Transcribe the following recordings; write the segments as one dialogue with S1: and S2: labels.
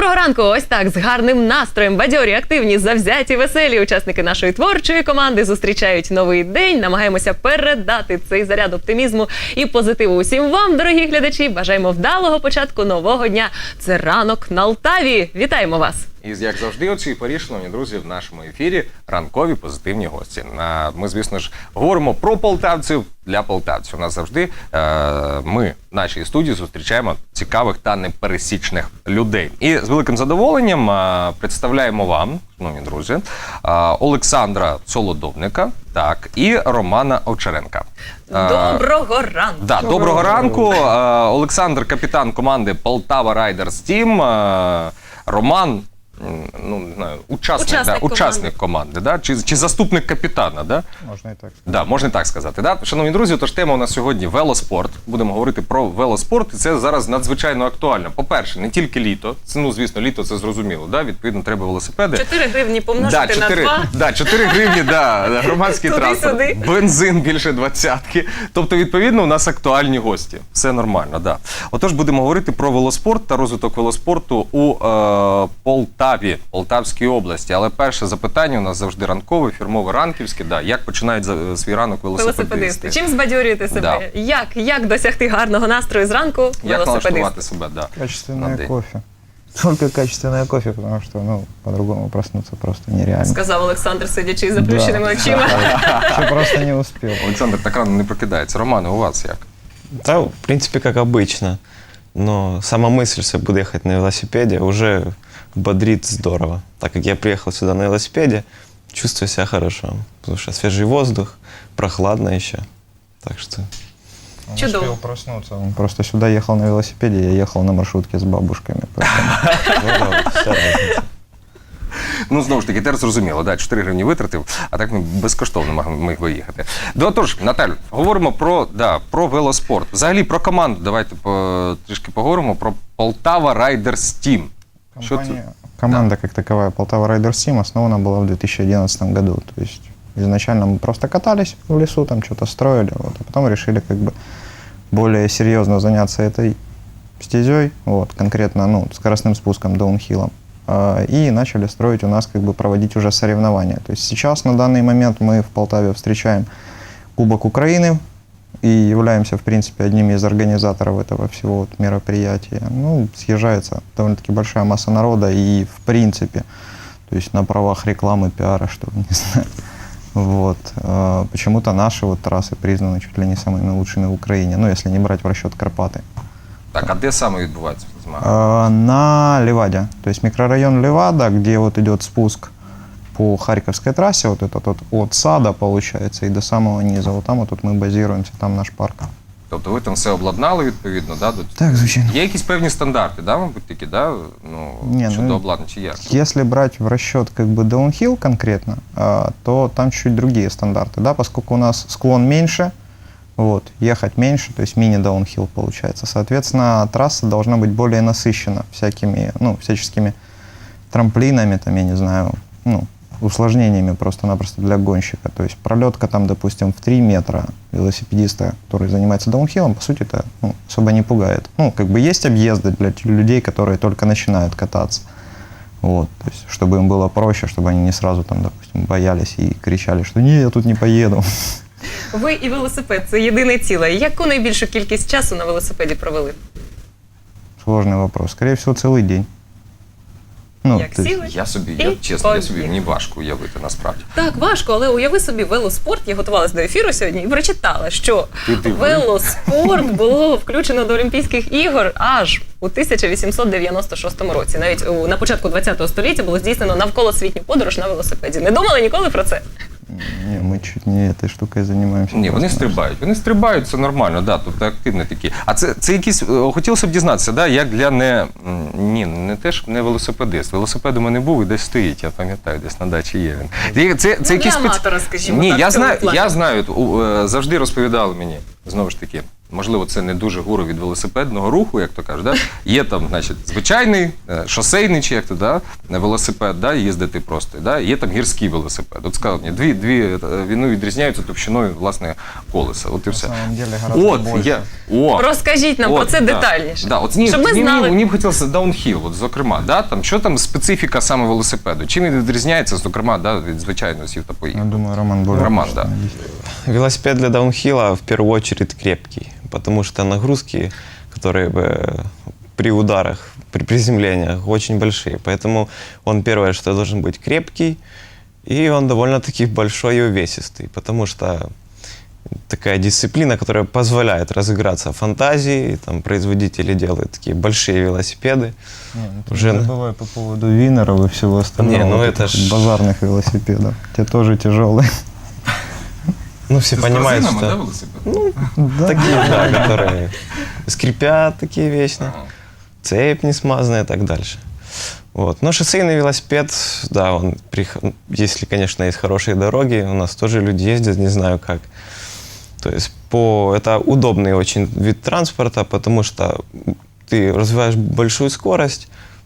S1: Доброго ранку! Ось так, з гарним настроєм, бадьорі, активні, завзяті, веселі учасники нашої творчої команди зустрічають новий день. Намагаємося передати цей заряд оптимізму і позитиву усім вам, дорогі глядачі. Бажаємо вдалого початку нового дня. Це ранок на Алтаві. Вітаємо вас!
S2: І, як завжди, о цій порі, шановні друзі, в нашому ефірі ранкові позитивні гості. Ми, звісно ж, говоримо про полтавців для полтавців. У нас завжди ми в нашій студії зустрічаємо цікавих та непересічних людей. І з великим задоволенням представляємо вам, шановні друзі, Олександра Солодовника, так, і Романа Овчаренка.
S1: Доброго ранку!
S2: Да, доброго ранку. Олександр – капітан команди Полтава Райдерс Тім. Роман, ну, не знаю, учасник команди, да? Чи заступник капітана, да?
S3: Можна і так сказати.
S2: Да, можна і так сказати. Да? Шановні друзі, тож тема у нас сьогодні велоспорт. Будемо говорити про велоспорт, і це зараз надзвичайно актуально. По-перше, не тільки літо, це, ну, звісно, літо це зрозуміло, да? Відповідно, треба велосипеди.
S1: 4 гривні помножити на 2.
S2: Да, 4 гривні, да, громадський транспорт, бензин більше 20-ки. Тобто, відповідно, у нас актуальні гості. Все нормально, да. Отож, будемо говорити про велоспорт та розвиток велоспорту у Полтаві, Полтавській області. Але перше запитання у нас завжди ранкове, фірмове, ранківське. Да. Як починають свій ранок велосипедисти?
S1: Чим збадьорюєте себе? Да. Як досягти гарного настрою зранку велосипедиста?
S2: Як налаштувати себе, да.
S3: Качественное кофе. Только качественное кофе, потому что, ну, по-другому проснуться просто нереально.
S1: Сказав Олександр, сидячи з заплющеними очима.
S3: Я просто не успел.
S2: Олександр так рано не прокидається. Романе, у вас як?
S4: Да, в принципе, как обычно. Но сама мысль, что я буду ехать на велосипеде, уже бодрит здорово. Так как я приехал сюда на велосипеде, чувствую себя хорошо. Потому что свежий воздух, прохладно еще. Так что...
S3: Он
S1: чудово.
S3: успел проснуться. Он просто сюда ехал на велосипеде, я ехал на маршрутке с бабушками.
S4: Вся разница.
S2: Ну, знову ж таки, тепер зрозуміло, да, 4 гривні витратив, а так ми безкоштовно міг виїхати. Отож, Наталю, говоримо про велоспорт. Взагалі про команду давайте трішки поговоримо, про Полтава Райдерс Тім.
S3: Команда как таковая Полтава Райдерс Тим основана была в 2011 году. То есть изначально мы просто катались в лесу, там что-то строили, вот, а потом решили как бы более серьезно заняться этой стезей, вот, конкретно, ну, скоростным спуском, даунхиллом. И начали строить у нас, как бы проводить уже соревнования. То есть сейчас, на данный момент, мы в Полтаве встречаем Кубок Украины и являемся, в принципе, одними из организаторов этого всего вот мероприятия. Ну, съезжается довольно-таки большая масса народа и, в принципе, то есть на правах рекламы, пиара, что ли, не знаю. Вот. Почему-то наши вот трассы признаны чуть ли не самыми лучшими в Украине, ну, если не брать в расчет Карпаты.
S2: Так, а де саме відбувається змагання?
S3: На Леваде, то есть микрорайон Левада, где вот идет спуск по Харьковской трассе, вот этот вот от сада, получается, и до самого низа. Вот там вот тут мы базируемся, там наш парк.
S2: Тобто ви там все обладнали відповідно, да?
S3: Так, звичайно.
S2: Є якісь певні стандарти, да, мабуть, такі, да? Ну,
S3: Не,
S2: щодо
S3: ну,
S2: обладнання, чи як?
S3: Если брать в расчет как бы даунхилл конкретно, то там чуть другие стандарты, да, поскольку у нас склон меньше, вот, ехать меньше, то есть мини-даунхилл получается. Соответственно, трасса должна быть более насыщена всякими, ну, всяческими трамплинами, там, я не знаю, ну, усложнениями просто-напросто для гонщика. То есть пролетка там, допустим, в 3 метра велосипедиста, который занимается даунхиллом, по сути, это, ну, особо не пугает. Ну, как бы есть объезды для людей, которые только начинают кататься. Вот, то есть, чтобы им было проще, чтобы они не сразу там, допустим, боялись и кричали, что «не, я тут не поеду».
S1: Ви і велосипед – це єдине ціле. Яку найбільшу кількість часу на велосипеді провели?
S3: Сложный вопрос. Скорее всего, целый день. Ну,
S1: Як
S3: то есть,
S1: сіли?
S2: Я собі,
S1: І
S2: чесно, я собі,
S1: поїхали.
S2: мені важко уявити, насправді.
S1: Так, важко, але уяви собі велоспорт. Я готувалася до ефіру сьогодні і прочитала, що
S2: Ти диви.
S1: велоспорт було включено до Олімпійських ігор аж у 1896 році. Навіть на початку ХХ століття було здійснено навколосвітню подорож на велосипеді. Не думали ніколи про це?
S3: не, мы чуть не этой штукой занимаемся.
S2: Ні, вони
S3: просто-напросто.
S2: стрибають, це нормально, да, тобто активні такі. А це якісь, хотілося б дізнатися, да, як для не теж не велосипедист. Велосипед у мене був і десь стоїть, я пам'ятаю, десь на дачі є він. Це
S1: Для аматора, скажімо
S2: Ні,
S1: так, в цьому плані.
S2: я знаю, завжди розповідали мені, знову ж таки, можливо, це не дуже гуру від велосипедного руху, як то кажуть, да? Є там, значить, звичайний, шосейний, чи як то, да? Велосипед, да? Їздити просто, да? Є там гірський велосипед. От сказав мені, дві вони відрізняються товщиною, власне, колеса. От і
S3: На
S2: все.
S3: самом деле гораздо
S2: От,
S3: больше.
S1: Розкажіть нам про це
S2: да.
S1: детальніше.
S2: Да, от,
S1: Щоб ми знали.
S2: Мені б хотілося даунхіл, от, зокрема, да? Там, що там специфіка саме велосипеду? Чим він відрізняється, зокрема, да, від звичайного сів та
S3: Я
S2: поїхав?
S3: думаю, Роман более
S2: Роман,
S3: точно
S2: да.
S3: объяснит.
S4: Велосипед для даунхилла в первую очередь крепкий, потому что нагрузки, которые при ударах, при приземлениях очень большие. Поэтому он первое, что должен быть крепкий, и он довольно-таки большой и увесистый, потому что такая дисциплина, которая позволяет разыграться фантазии, там производители делают такие большие велосипеды.
S3: Не, ну ты
S4: Уже-
S3: не забывай по поводу винеров и всего остального.
S4: Не, ну
S3: вот
S4: это
S3: этих
S4: ж-
S3: базарных велосипедов. Те тоже тяжелые.
S4: Ну, все понимают,
S2: да,
S4: что
S2: велосипед?
S3: Да.
S4: такие, да, которые скрипят такие вечно, цепь не смазанная и так дальше. Вот. Но шоссейный велосипед, да, он, если, конечно, есть хорошие дороги, у нас тоже люди ездят, не знаю как. То есть это удобный очень вид транспорта, потому что ты развиваешь большую скорость,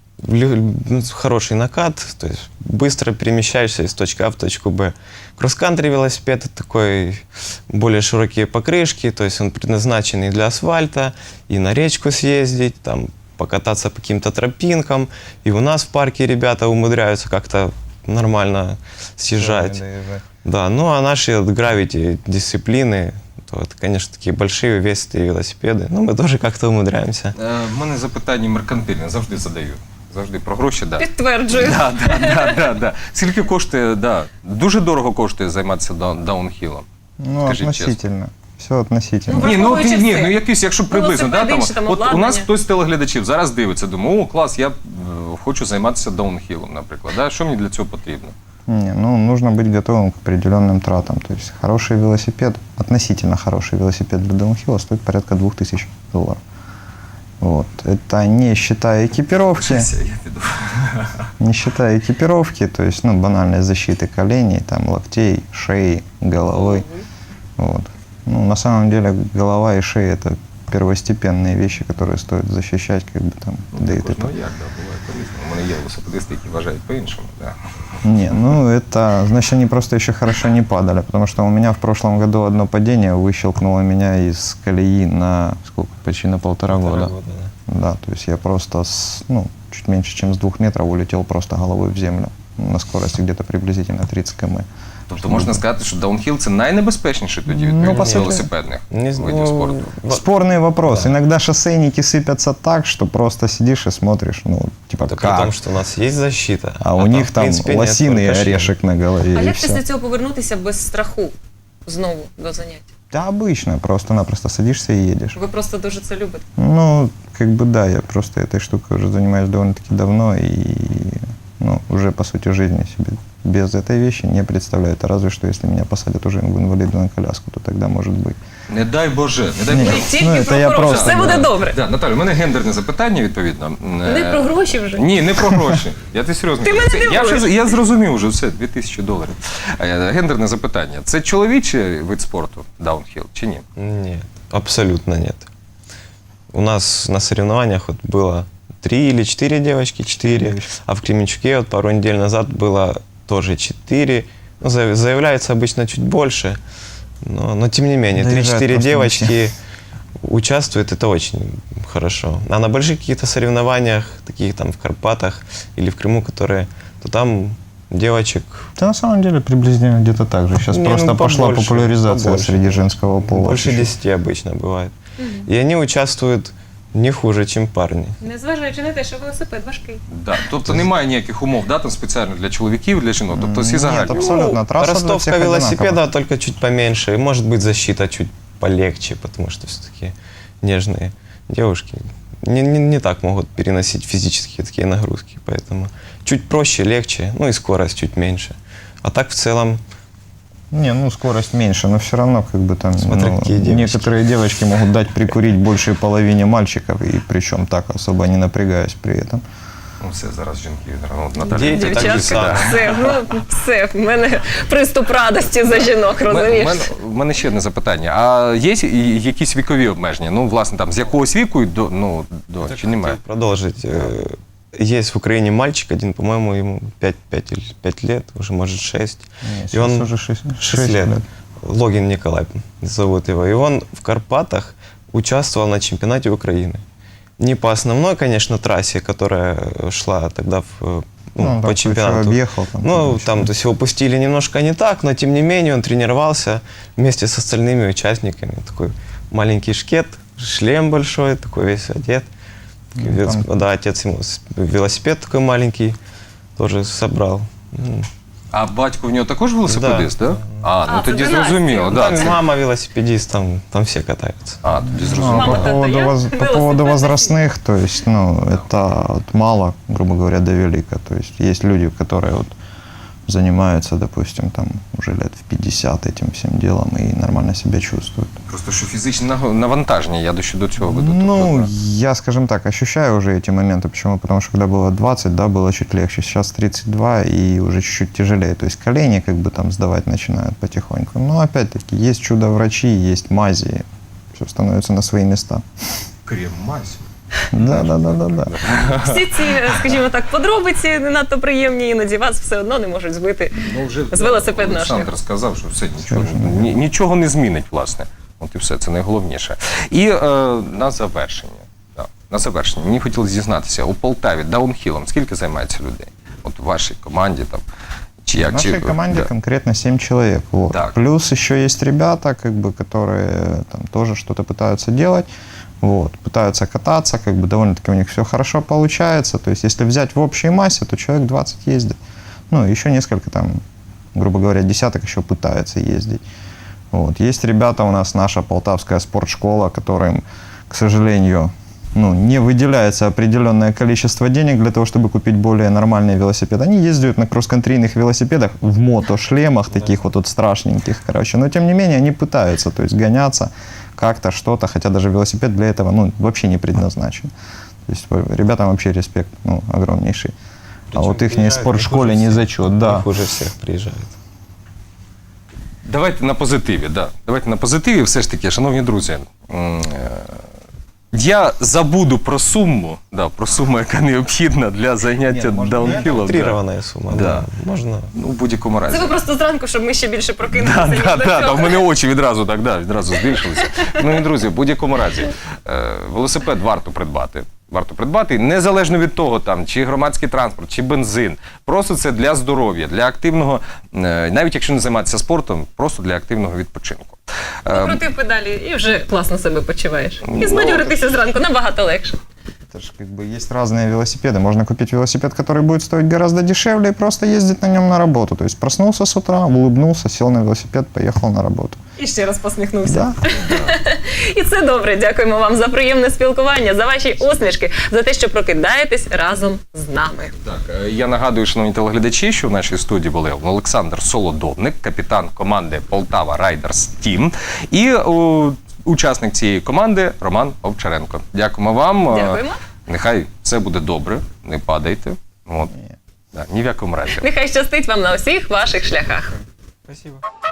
S4: хороший накат, то есть быстро перемещаешься из точки А в точку Б. Кросс-кантри велосипед — это такой более широкие покрышки, то есть он предназначен и для асфальта, и на речку съездить, там, покататься по каким-то тропинкам. И у нас в парке ребята умудряются как-то нормально съезжать. Да, ну а наши гравити дисциплины, то это, конечно, такие большие увесистые велосипеды. Но мы тоже как-то умудряемся.
S2: В мене запитання меркантильне, завжди задаю. Завжди про гроші, да.
S1: Підтверджую.
S2: Да. Скільки коштує, да, дуже дорого коштує займатися даунхілом.
S3: Ну,
S2: Скажіть
S3: относительно. Все относительно.
S1: Ну, враховуючи
S2: Ні,
S1: все.
S2: якийсь, якщо приблизно, да,
S1: Велосипед,
S2: там,
S1: інше там
S2: от у
S1: обладнання.
S2: нас хтось з телеглядачів зараз дивиться, думає, о, клас, я хочу займатися даунхілом, наприклад. Да? Що мені для цього потрібно?
S3: Не, ну, нужно быть готовым к определенным тратам. То есть хороший велосипед, относительно хороший велосипед для даунхилла стоит порядка $2000. Вот. Это не считая экипировки,
S2: Я піду.
S3: не считая экипировки, то есть, ну, банальной защиты коленей, там, локтей, шеи, головы. Вот. Ну, на самом деле, голова и шея — это первостепенные вещи, которые стоит защищать, как бы там, да и
S2: Також,
S3: т.п.
S2: ну як, да, буває по-різному. У мене є велосипедисти, які вважають по-іншому. Да.
S3: Не, ну это, значит, они просто еще хорошо не падали, потому что у меня в прошлом году одно падение выщелкнуло меня из колеи на сколько, почти на 1,5 года. Да, то есть я просто, чуть меньше, чем с 2 метров улетел просто головой в землю на скорости где-то приблизительно 30 км.
S2: Тобто можна сказати, що даунхіл – це найнебезпечніший тоді
S3: Ну,
S2: від
S3: по суті.
S2: велосипедних
S4: Не
S2: видів спорту.
S3: Спорный вопрос. Иногда шоссейники сыпятся так, что просто сидишь и смотришь, ну, типа,
S4: Это при
S3: как?
S4: том, что у нас есть защита.
S3: А у них
S4: в
S3: там
S4: принципе, нет,
S3: лосиный
S4: только шлем.
S3: орешек на голове
S1: А
S3: и
S1: як
S3: все.
S1: після цього повернутися без страху знову до занять?
S3: Да, обычно, просто-напросто садишься и едешь.
S1: Ви просто дуже це любите.
S3: Ну, как бы да, я просто этой штукой уже занимаюсь довольно-таки давно и, ну, уже по сути жизни себе без этой вещи не представляю. Это разве что, если меня посадят уже в инвалидную коляску, то тогда может быть.
S2: Не дай Боже, не дай
S3: Ні.
S2: Боже.
S1: Тільки
S3: Ну,
S1: про
S3: це я
S1: хороше.
S3: просто,
S1: Все буде
S3: да.
S1: добре.
S2: Да, Наталю, у мене гендерне запитання, відповідно.
S1: Не про гроші вже.
S2: Ні, не про гроші. Я ти серйозно.
S1: Ти
S2: кажу.
S1: мене
S2: Це-
S1: дивуєш.
S2: я зрозумів вже все, $2000. Гендерне запитання. Це чоловічий вид спорту, даунхіл, чи ні?
S4: Нет, абсолютно нет. У нас на соревнованиях вот было 3 или 4 девочки, 4,
S3: девочки.
S4: а в Кременчуке вот пару недель назад было тоже 4. Ну, заявляется обычно чуть больше, но тем не менее,
S3: Доезжают
S4: 3-4
S3: просто
S4: девочки участвуют, это очень хорошо. А на больших каких-то соревнованиях, таких там в Карпатах или в Крыму, которые, то там девочек
S3: Да, на самом деле приблизительно где-то так же. Сейчас
S4: Не,
S3: просто
S4: ну,
S3: пошла
S4: побольше,
S3: популяризация
S4: побольше.
S3: среди женского пола.
S4: больше
S3: чуть-чуть.
S4: 10 обычно бывает. И они участвуют не хуже, чем парни.
S1: Незважаючи на те, що велосипед важкий.
S2: Да. Тобто немає ніяких умов, да, там спеціально для чоловіків, для жінок. Тобто всі
S3: Нет,
S2: загальні.
S3: абсолютно. Трасса для
S4: Ростовка
S3: всех
S4: велосипеда
S3: одинакова.
S4: только чуть поменьше. И может быть защита чуть полегче, потому что все-таки нежные девушки не так могут переносить физические такие нагрузки. Поэтому чуть проще, легче, ну и скорость чуть меньше. А так в целом
S3: Не, ну скорость меньше, но все равно как бы там
S4: Смотря
S3: ну,
S4: какие девочки.
S3: некоторые девочки могут дать прикурить большей половине мальчиков, и причем так особо не напрягаясь при этом.
S2: Ну, все, зараз жінки, ну, Наталя.
S4: Діти
S2: це
S4: так же
S1: Дівчатка,
S4: само.
S1: все, в мене приступ радості за жінок, розумієш?
S2: В мене ще одне запитання. А є якісь вікові обмеження? Ну, власне, там, з якогось віку і до чи немає?
S4: Хотел продолжить. Есть в Украине мальчик один, по-моему, ему 5 лет, уже может 6.
S3: Не,
S4: И
S3: сейчас
S4: он
S3: уже 6
S4: 6 лет. Логин Николай зовут его. И он в Карпатах участвовал на чемпионате Украины. Не по основной, конечно, трассе, которая шла тогда
S3: Ну,
S4: по
S3: да,
S4: чемпионату.
S3: объехал там.
S4: Ну, там, то есть его пустили немножко не так, но тем не менее он тренировался вместе с остальными участниками. Такой маленький шкет, шлем большой, такой весь одет.
S3: Ну, там-
S4: Да, отец ему велосипед такой маленький тоже собрал.
S2: А батько в нього також велосипедист, так? Да? Ну
S1: це
S2: тоді
S1: династія.
S2: зрозуміло.
S4: Ну,
S2: Да,
S4: там
S2: це...
S4: мама велосипедист, там все катаются.
S2: Тоді
S3: Ну,
S2: зрозуміло.
S1: Мама,
S3: по
S1: тата,
S3: поводу,
S1: я
S3: по поводу
S1: велосипедист.
S3: возрастных, то есть, ну, это от мало, грубо говоря, до велика. То есть есть люди, которые вот занимаются, допустим, там уже лет в 50 этим всем делом и нормально себя чувствуют.
S2: Просто що фізичне навантаження, я до цього веду.
S3: Ну,
S2: Тобто,
S3: я, скажем так, ощущаю уже эти моменты. Почему? Потому что когда было 20, да, было чуть легче. Сейчас 32 и уже чуть-чуть тяжелее. То есть колени как бы там сдавать начинают потихоньку. Но опять-таки есть чудо-врачи, есть мази. Все становится на свои места.
S2: крем мазь.
S3: Да.
S1: Всі ці, скажімо так, подробиці не надто приємні, іноді вас все одно не можуть збити.
S2: Ну, вже
S1: З велосипедного
S2: Олександр
S1: шляху.
S2: сказав, що все, нічого не змінить, власне. От і все, це найголовніше. І на завершення. Да, на завершення. Мені хотілося дізнатися, у Полтаві даунхілом скільки займається людей? От у вашій команді там. Чи
S3: В
S2: як?
S3: нашей команде
S2: да.
S3: конкретно 7 человек. Вот.
S2: Так.
S3: Плюс еще есть ребята, как бы, которые там тоже что-то пытаются делать. Вот, пытаются кататься, как бы довольно-таки у них все хорошо получается. То есть, если взять в общей массе, то человек 20 ездит. Ну, еще несколько там, грубо говоря, десяток еще пытаются ездить. Вот. Есть ребята у нас, наша полтавская спортшкола, которым, к сожалению, ну, не выделяется определенное количество денег для того, чтобы купить более нормальный велосипед. Они ездят на кросс-контрийных велосипедах в мотошлемах, таких вот страшненьких, короче. Но, тем не менее, они пытаются, то есть, гоняться как-то, что-то, хотя даже велосипед для этого, ну, вообще не предназначен. То есть, ребятам вообще респект, ну, огромнейший. А вот их спортшколе не зачет, да.
S4: Их уже всех приезжают.
S2: Давайте на позитиві, да. Давайте на позитиві, все ж таки, шановні друзі. Я забуду про суму, яка необхідна для заняття даунхілом.
S4: Утрированная сумма.
S2: Да.
S4: Да. Можно.
S2: Ну, в будь-якому разі.
S1: Це ви просто зранку, щоб ми ще більше прокинулися, ніж до
S2: Да,
S1: цього.
S2: в мене очі відразу відразу збільшилися. Ну і друзі, в будь-якому разі, велосипед варто придбати. Варто придбати, незалежно від того, там, чи громадський транспорт, чи бензин. Просто це для здоров'я, для активного, навіть якщо не займатися спортом, просто для активного відпочинку.
S1: Покрутив педалі і вже класно себе почуваєш. І збадьоритися зранку набагато легше.
S3: Это же как бы есть разные велосипеды. Можно купить велосипед, который будет стоить гораздо дешевле, и просто ездить на нем на работу. То есть проснулся с утра, улыбнулся, сел на велосипед, поехал на работу.
S1: І ще раз посміхнувся.
S3: Да.
S1: І це добре. Дякуємо вам за приємне спілкування, за ваші усмішки, за те, що прокидаєтесь разом з нами.
S2: Так, я нагадую, шановні телеглядачі, що в нашій студії були Олександр Солодовник, капітан команди Полтава Райдерс Тім, і учасник цієї команди Роман Овчаренко. Дякуємо вам.
S1: Дякуємо.
S2: Нехай все буде добре, не падайте. От. Да, ні в якому разі.
S1: Нехай щастить вам на усіх ваших шляхах.
S4: Спасибо.